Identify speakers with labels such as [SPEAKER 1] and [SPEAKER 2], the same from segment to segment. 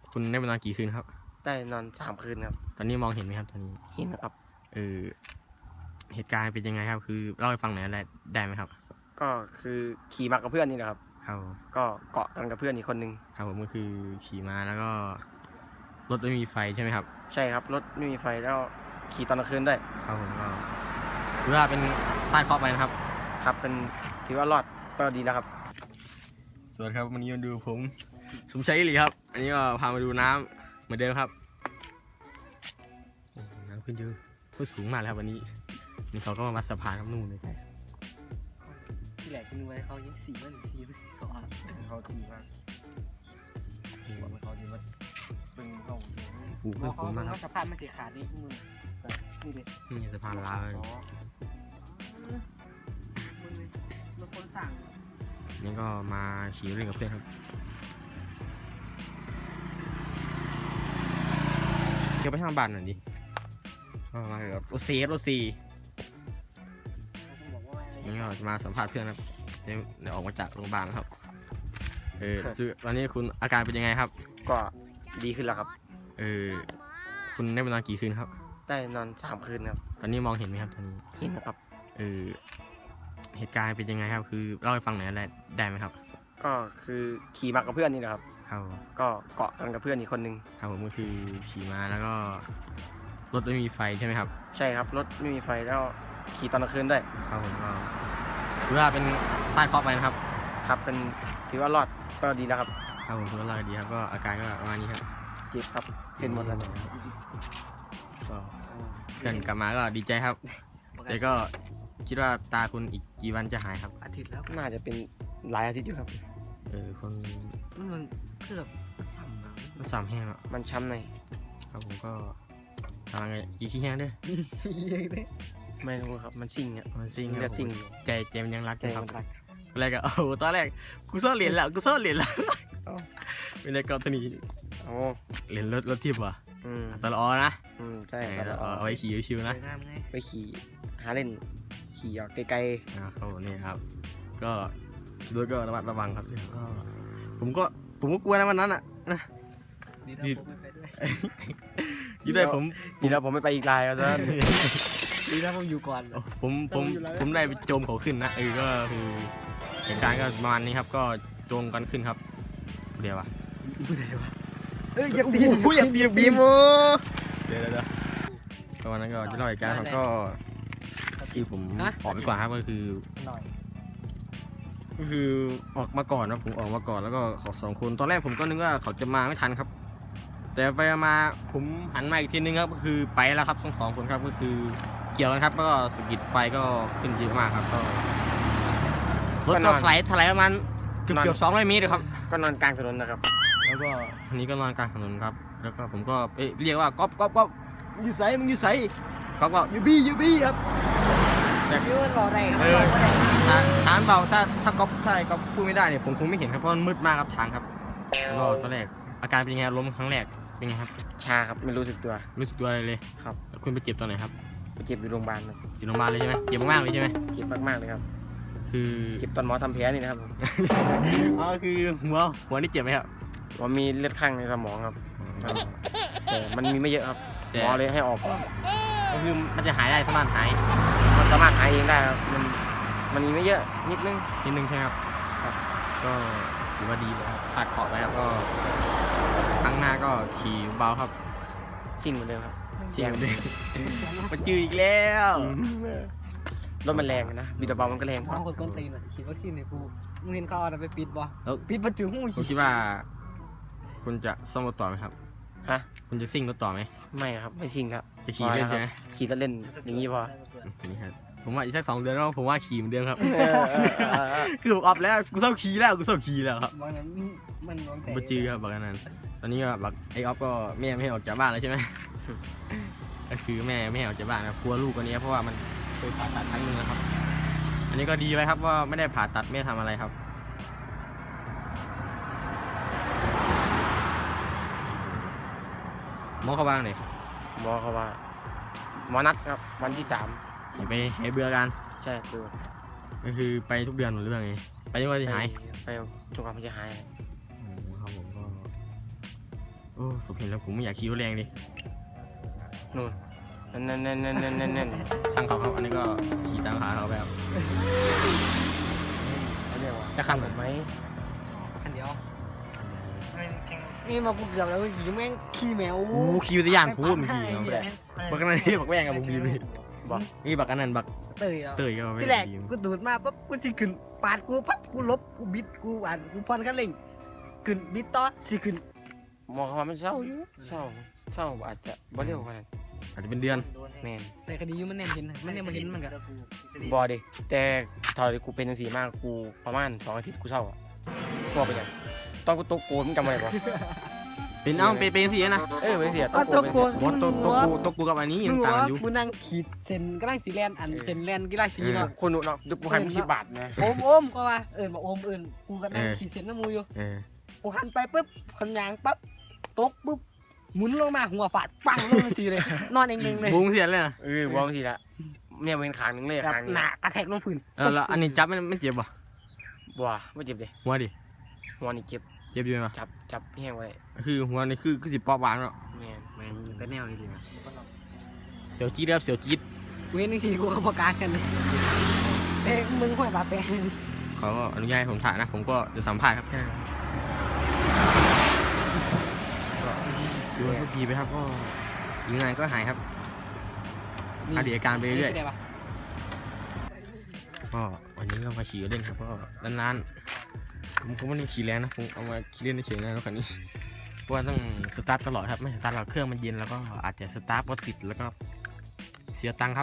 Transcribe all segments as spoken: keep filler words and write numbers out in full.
[SPEAKER 1] คุณได้ไปนอนกี่คืนครับ
[SPEAKER 2] ได้นอนสามคืนครับ
[SPEAKER 1] ตอนนี้มองเห็นไหมครับตอนนี้
[SPEAKER 2] เห็นครับ
[SPEAKER 1] เออเหตุการณ์เป็นยังไงครับคือเล่าให้ฟังหน่อยได้ได้ไหมครับ
[SPEAKER 2] ก็คือขี่มากับเพื่อนนี่แหละครับ
[SPEAKER 1] ครับ
[SPEAKER 2] ก็เกาะกันกับเพื่อนอีกคนนึง
[SPEAKER 1] ครับผมก็คือขี่มาแล้วก็รถไม่มีไฟใช่ไหมครับ
[SPEAKER 2] ใช่ครับรถไม่มีไฟแล้วขี่ตอนกลางคืนด้วย
[SPEAKER 1] ครับผมก็ถือว่าเป็นฟาดเคราะห์ไปนะครับ
[SPEAKER 2] ครับเป็นถือว่ารอดก็ดีแล้วครับ
[SPEAKER 1] สวัสดีครับวันนี้มาดูผมสมชัยอิหลีครับอันนี้ก็พามาดูน้ำเหมือนเดิมครับน้ำขึ้นเยอะขึ้นสูงมากแล้ววันนี้นี่เขาก็มาวัดสะพานกับนู่นเลย
[SPEAKER 3] ที่แหลกนึกไว้เขายังสีมันสีมันก่อน
[SPEAKER 2] เขาทีมากว่าเขาทีมาเป็นเขา
[SPEAKER 1] ปูขึ้นสูงมากครับ
[SPEAKER 3] สะพานมันสีขาดนี่มึงนี่ดิ
[SPEAKER 1] นี่สะพานลาว
[SPEAKER 3] มันคนสั่ง
[SPEAKER 1] นี่ก็มาขี่เล่นกับเพื่อนครับเดี๋ยวไปทางบ้านหน่อยดิมากับรถซีรถซีนี่ก็จะมาสัมภาษณ์เพื่อนครับเดี๋ยวออกมาจากโรงพยาบาลครับเออตอนนี้คุณอาการเป็นยังไงครับ
[SPEAKER 2] ก็ดีขึ้นแล้วครับ
[SPEAKER 1] เออคุณได้ไปนอนกี่คืนครับ
[SPEAKER 2] ได้นอนสามคืนครับ
[SPEAKER 1] ตอนนี้มองเห็นไหมครับตอนนี้
[SPEAKER 2] เห็นครับ
[SPEAKER 1] เออเหตุการณ์เป็นยังไงครับคือเล่าให้ฟังหน่อยได้ได้ไหมครับ
[SPEAKER 2] ก็คือขี่มากับเพื่อนนี่แหละครับ
[SPEAKER 1] ครับ
[SPEAKER 2] ก็เกาะกันกับเพื่อนอีกคนนึง
[SPEAKER 1] ครับผมก็คือขี่มาแล้วก็รถไม่มีไฟใช่ไหมครับ
[SPEAKER 2] ใช่ครับรถไม่มีไฟแล้วขี่ตอนกลางคืนด้วย
[SPEAKER 1] ครับผมก็ถือว่าเป็นฟาดเคราะห์ไปนะครับ
[SPEAKER 2] ครับเป็นถือว่ารอดก็ดีแล้วครับ
[SPEAKER 1] ครับผมถือว่ารอดดีครับก็อาการก็ประมาณนี้ครับ
[SPEAKER 2] เจ็บครับเป็นหมดแล้ว
[SPEAKER 1] ก็เพื่อนกลับมาก็ดีใจครับแต่ก็คิดว่าตาคุณอีกกี่วันจะหายครับ
[SPEAKER 3] อาทิตย์แล้ว
[SPEAKER 2] น่าจะเป็นหลายอาทิตย์อยู่ครับ
[SPEAKER 1] เออคน
[SPEAKER 3] มันมันเกือบซ้ำแล้ว
[SPEAKER 1] มันซ้ำแห้งแล้ว
[SPEAKER 2] มันช้ำใน
[SPEAKER 1] ครับผมก็ทำไงกี่ขี้แห้งด้วย
[SPEAKER 2] ไม่รู้ครับมันซิ่งอ่ะ
[SPEAKER 1] มันซิ่ง
[SPEAKER 2] จะซิ่ง
[SPEAKER 1] ใจเจมยังรัก
[SPEAKER 2] ใจ
[SPEAKER 1] ครับ
[SPEAKER 2] มันรัก
[SPEAKER 1] อะไรกันโอ้ตอนแรกกูซ่อนเหรียญแล้วกูซ่อนเหรียญแล้วเป็นในกรณี
[SPEAKER 2] โอ้
[SPEAKER 1] เหรียญรถรถทิพย์ว่ะตลอดนะ
[SPEAKER 2] อืมใช่
[SPEAKER 1] เอาไว้ขี่ชิวๆนะ
[SPEAKER 2] ไปขี่หาเล่นขี่ออกไกล
[SPEAKER 1] ๆอ่าเขาเนี่ยครับก็รถก็ระมัดระวังครับก็ผมก็ผมก็กลัวนะวันนั้นอ่ะนะ
[SPEAKER 3] ดีแล้วผมไม่ไปด้วย
[SPEAKER 1] ยี่ได้ผม
[SPEAKER 2] ดีแล้วผมไม่ไปอีกลายแล้วท่าน
[SPEAKER 3] ดีแล้วผมอยู่ก่อน
[SPEAKER 1] ผมผมผมได้ไปโจมเขาขึ้นนะเออก็คือเหตุการณ์ก็ประมาณนี้ครับก็โจมกันขึ้นครับเดี๋ยววะ
[SPEAKER 3] ไม่ได้วะ
[SPEAKER 2] เอ้ยยังดีผู้ยังดีบีม
[SPEAKER 1] เดี๋ยวเดี๋ยวตอนนั้นก็จะเล่าเหตุการณ์ก็ที่ผมออกไปก่อนครับก็คือก็คือออกมาก่อนนะผมออกมาก่อนแล้วก็เขาสองคนตอนแรกผมก็นึกว่าเขาจะมาไม่ทันครับแต่ไปมาผมหันมาอีกทีนึงครับก็คือไปแล้วครับสองสองคนครับก็คือเกี่ยวกันครับแล้วก็สกิดไฟก็ขึ้นเยอะมากครับก็รถก็ถลายถลายประมาณเกือบเกือบสองร้อยเมตรครับ
[SPEAKER 2] ก็นอนกลางถนนนะครับ
[SPEAKER 1] แล้วก็ทีนี้ก็นอนกลางถนนครับแล้วก็ผมก็ไปเรียกว่าก๊อปก๊อปก๊อปมึงอยู่ไสมึงอยู่ไสก๊อปก็ยูบี้ยูบี้ครับ
[SPEAKER 3] แบบยืนรอได้ครับ
[SPEAKER 1] ถามเบาถ้าถ้าก๊อปใช่ก๊อปพูดไม่ได้เนี่ยผมคงไม่เห็นครับเพราะมันมืดมากครับทางครับแล้วก็ตอนแรกอาการเป็นยังไงล้มครั้งแรกเป็นไงครับ
[SPEAKER 2] ชาครับไม่รู้สึกตัว
[SPEAKER 1] รู้สึกตัวอะไรเลย
[SPEAKER 2] ครับ
[SPEAKER 1] คุณไปเจ็บตอนไหนครับ
[SPEAKER 2] ไปเจ็บอยู่โรงพยาบาลครับ
[SPEAKER 1] อยู่โรงพยาบาลเลยใช่ไหมเจ็บมากเลยใช่ไหม
[SPEAKER 2] เจ็บมากๆเลยครับ
[SPEAKER 1] คือ
[SPEAKER 2] เจ็บตอนหมอทำแผลนี่นะครับ
[SPEAKER 1] อ๋อคือหัวหัวนี่เจ็บไหมครับ
[SPEAKER 2] ว่ามีเลือดข้างในสมองครับแต่มันมีไม่เยอะครับหมอเลยให้ออก
[SPEAKER 1] ก็คือมันจะหายได้สามารถหาย
[SPEAKER 2] มันสามารถหายเองได้ครับมันมันมีไม่เยอะนิดนึง
[SPEAKER 1] นิดนึงใช่ครับครับก็ถือว่าดีเลยครับขาดขอบไว้ครับก็ครั้งหน้าก็ขี่เบาครับ
[SPEAKER 2] ซิ่งเหมือนเดิมครับ
[SPEAKER 1] เสียงเดิมมันจืดอีกแล้ว
[SPEAKER 2] รถมันแรงนะบีดเบามันก็แรง
[SPEAKER 3] บางคนก้นตีนอ่ะฉีดวัคซีนในกูมึงเห็นเขาเอาไปปิดบ่ปิดประตูห้อง
[SPEAKER 1] ผมคิดว่าคุณจะซ่อมรถต่อไหมครับ
[SPEAKER 2] ฮะ
[SPEAKER 1] คุณจะซิ่งรถต่อไหม
[SPEAKER 2] ไม่ครับไม่ซิ่งครับ
[SPEAKER 1] จะขี่เล่นใช่ไหม
[SPEAKER 2] ขี่เล่นอย่างนี้พอ
[SPEAKER 1] นี่ครับผมว่าอีกสักสองเดือนแล้วผมว่าขี่เหมือนเดิมครับคือผมอัพแล้วกูเศร้าขี่แล้วกูเศร้าขี่แล้วครับ
[SPEAKER 3] มันมันมัน
[SPEAKER 1] บัจือครับบอกกันนั้นตอนนี้ก็บักไอออฟก็แม่ไม่ให้ออกจากบ้านแล้วใช่ไหมก็คือแม่ไม่ให้ออกจากบ้านนะกลัวลูกคนนี้เพราะว่ามันเคยผ่าตัดครั้งนึงนะครับอันนี้ก็ดีไว้ครับว่าไม่ได้ผ่าตัดไม่ทำอะไรครับหมอเขาบ้างเลย
[SPEAKER 2] หมอเขาว่าหมอนัดครับวันที่สาม
[SPEAKER 1] ไปหายเบื่อกัน
[SPEAKER 2] ใช่เบื่อ
[SPEAKER 1] ก็คือไปทุกเดือนหรือเรื่องไงไปทุกวันจะหาย
[SPEAKER 2] ไปทุกวันมันจะหาย
[SPEAKER 1] ครับผมก็โอ้ผมเห็นแล้วผมไม่อยากขี่รถแรงดิ
[SPEAKER 2] นู่นนั่นนั่นนั่นนั่นนั่นนั่น
[SPEAKER 1] ช่างเขาครับอันนี้ก็ขี่ตามขาเขาไปครับ
[SPEAKER 2] อันเนี้ยวะ
[SPEAKER 1] จะขัน
[SPEAKER 2] ผมไหม
[SPEAKER 3] คันเดียวนี่มากูเกือบแล้วขี่แม่งขี่แมว
[SPEAKER 1] โอ้ขี่วิทยานพูดมึงขี่เขาไปได้บักอันนั้นที่บักแว่งกับบักบีม
[SPEAKER 2] บอก
[SPEAKER 1] นี่บักอันนั้นบัก
[SPEAKER 3] เตยแล้ว
[SPEAKER 1] เตยก็เอาไป
[SPEAKER 3] ที่แรก
[SPEAKER 1] บีม
[SPEAKER 3] กูดูดมาปั๊บกูสิขึ้นปาดกูปั๊บกูลบกูบิดกูอ่านกูพอนคันเร่งขึ้นบิดต่อสิขึ้น
[SPEAKER 2] มองว่ามันเศร้าอยู่เศร้าเศร้าอาจจะบ่เร็วขนาด
[SPEAKER 1] อาจจะเป็นเดือน
[SPEAKER 2] แน่น
[SPEAKER 3] แต่คดีอยู่มันแน่นเห็นมันแน่นมาเห็นมันก็
[SPEAKER 2] บอดิแต่ตอนที่กูเป็นจังซี่มากกูประมาณสองอาทิตย์กูเศร้าอ่ะกลัวไปยังตอนกูตกโกนมึงจำไว้ปะ
[SPEAKER 1] เป็นเอ้าเป็นเป็นสินะ
[SPEAKER 2] เออไม่เสียต
[SPEAKER 3] ก็
[SPEAKER 2] กโก
[SPEAKER 3] ตัวน กู
[SPEAKER 1] บอสตัวตัวกูตัวกูกับอันนี้
[SPEAKER 3] มึ
[SPEAKER 1] ยัง งต่าง
[SPEAKER 3] ว่า
[SPEAKER 1] กันอยู่
[SPEAKER 3] มึงนั่งขีดเส้นกำลังสีแลนอันเส้นแลนกีฬาสีเนาะ
[SPEAKER 2] คนหนูเนาะเดี๋ยวกูให้มึงสิบบาทนะ
[SPEAKER 3] โอมโอมก็ว่าเอิญบอกโอมเอิญกูก็นั่งขีดเส้นน้ำมูอยู่
[SPEAKER 1] เออ
[SPEAKER 3] กูหันไปปุ๊บคนยางปั๊บตกปุ๊บหมุนลงมาหัวฟาดปังลงมาสีเลย นอนเองๆเลย
[SPEAKER 1] บุ้งเสียเลยนะ
[SPEAKER 2] เออวางทีละเนี่ยเป็นขางหนึ่งเลย
[SPEAKER 3] แบบ
[SPEAKER 2] ขางหนึ่ง
[SPEAKER 3] หนากระแทกลงพื้น
[SPEAKER 1] เออแล้วอันนี้จับไม่ไม่เจ็บป่ะ
[SPEAKER 2] บัวไม่เจ็บเลย
[SPEAKER 1] หัวดิ
[SPEAKER 2] หัวนี่เจ็บ
[SPEAKER 1] เจ็บอยู่ไหม
[SPEAKER 2] จับจับแห้งไว้
[SPEAKER 1] คือหัวนี่คือคือสิปอบวางเนาะ
[SPEAKER 2] เนี่ย
[SPEAKER 3] แม่งแต่แนวนี้ดีนะ
[SPEAKER 1] เสียวจี๊ดครับเสียวจี๊ด
[SPEAKER 3] เว้นทีกูก็ประกาศกันเลยเอ้มึงห้วยบาแปง
[SPEAKER 1] เขาก็อนุญาตให้ผมถ่ายนะ ผมก็จะสัมภาษณ์ครับก็จูนก็ดีไปครับก็ยิงงานก็หายครับอาดีอาการไปเรื่อยก็วันนี้ก็มาขี่เล่นครับก็นานๆผมก็ไม่ได้ขี่แรงนะผมเอามาขี่เล่นเฉยๆนะรถคันนี้เพราะว่าต้องสตาร์ทตลอดครับไม่สตาร์ทเราเครื่องมันเย็นแล้วก็อาจจะสตาร์ทรถติดแล้วก็เสียตังค์ครับ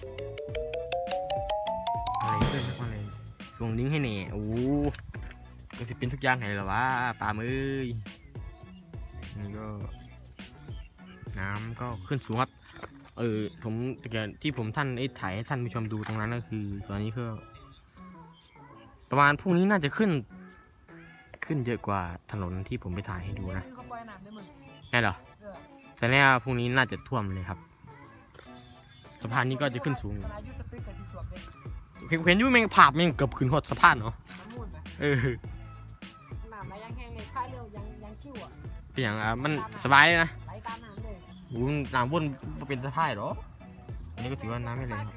[SPEAKER 1] อะไรเพื่อนครับอะไรส่งลิงก์ให้เน่โอ้ก็สิเป็นทุกอย่างให้เหรอวะปลามือนี่ก็น้ำก็ขึ้นสูงครับเออผมที่ผมท่านไอ้ถ่ายให้ท่านผู้ชมดูตรงนั้นก็คือตอนนี้ก็ประมาณพรุ่งนี้น่าจะขึ้นขึ้นเยอะกว่าถนนที่ผมไปถ่ายให้ดูนะแน่เหรอแต่แน่พรุ่งนี้น่าจะท่วมเลยครับสะพานนี้ก็จะขึ้นสูงเห็นเห็นอยุ่แมงผาบแมงเกือบขึ้นหดสะพานเนาะเออ
[SPEAKER 3] น้ำไหลยังแห้งเลยค่ายเร็วยังยังคิ้วอ่ะ
[SPEAKER 1] เป็นอย่างอ่ะมันสบายเลยนะ
[SPEAKER 3] ไหลตามน้ำเลย
[SPEAKER 1] โอ้น้ำวนบ่เป็นสะพายหรออันนี้ก็ถือว่าน้ำไม่แรงครับ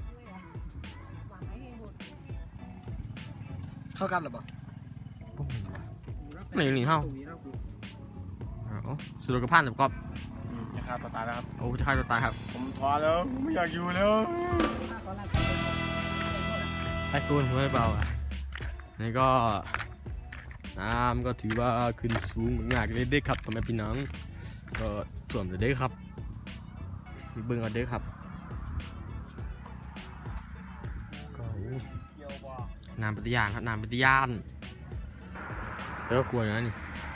[SPEAKER 3] เข้ากันหรือเปล่า
[SPEAKER 1] ไหนหนีเท่าอ๋อสุดกระพันแบบกอบ
[SPEAKER 2] จะฆ่าตัวตายแล้วครับ
[SPEAKER 1] โอ้จะฆ่าตัวตายครับ
[SPEAKER 2] ผมท้อแล้วไม่อยากอยู่แล้ว
[SPEAKER 1] ไอ้ตูนหัวไม่เบาอ่ะนี่ก็น้ำก็ถือว่าขึ้นสูงมากเลยเด้ครับทำไมพี่น้องก็ท่วมเลยเด้ครับเบิ่งเอาเด้ครับก็น้ำปฏิญาณครับน้ำปฏิญาณแล้วก็กลัวอยู่นะนี่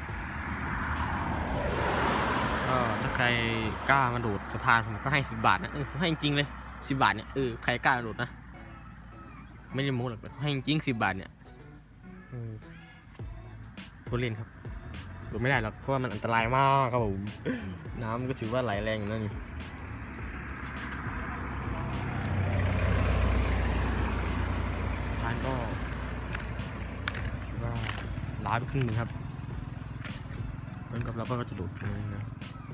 [SPEAKER 1] ก็ถ้าใครกล้ามาโดดสะพานผมก็ให้สิบบาทนะเออผมให้จริงๆเลยสิบบาทเนี่ยเออใครกล้าโดดนะไม่ได้โม้หรอกให้จริงสิบบาทเนี่ยพูดเล่นครับโดดไม่ได้หรอกเพราะว่ามันอันตรายมากครับผมน้ำก็ถือว่าไหลแรงอยู่นะนี่ทานก็ถือว่าล้าไปครึ่งหนึงครับเหมือนกับเราก็จะโดดเลยนะ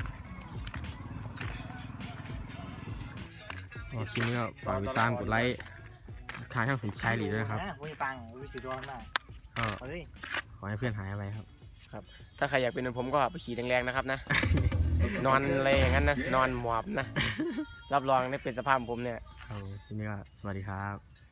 [SPEAKER 1] ก็คลิปนี้ก็ฝากติดตามกดไลค์ทางช่องสมชายหลีด้วยนะครับ
[SPEAKER 4] มีตังค์วิสิตวันน่ะ
[SPEAKER 1] ก็
[SPEAKER 4] เฮ้ย
[SPEAKER 1] ขอให้เพื่อนหายไปครับ
[SPEAKER 2] ถ้าใครอยากเป็นเหมือนผมก็ไปขี่แรงๆนะครับนะ นอนอะไรอย่างนั้นนะนอนหมอบนะรับรองได้เป็นสภาพผมเนี่ย
[SPEAKER 1] เอาทีนี้ก็สวัสดีครับ